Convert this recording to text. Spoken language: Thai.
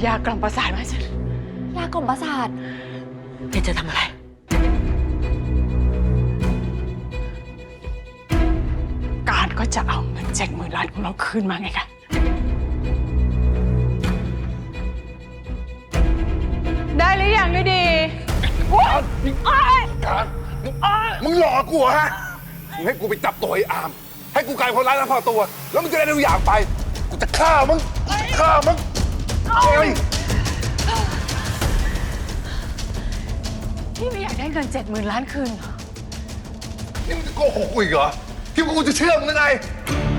ยากล่อมประสาทมาให้ฉันยากล่อมประสาทแกจะทำอะไรการก็จะเอาเงิน70,000 ล้านของเราคืนมาไงคะได้หรือยังด้วยดีการมึงหลอกกูเหรอฮะมึงให้กูไปจับตัวไอ้อามให้กูกลายเป็นคนร้ายแล้วพอตัวแล้วมึงจะได้ทุกอย่างไปกูจะฆ่ามึงเฮ้ยพี่ไม่อยากได้เงิน70,000 ล้านคืนเหรอนี่มึงจะโกหกกูอีกเหรอคิดว่ากูจะเชื่อมึงได้ไง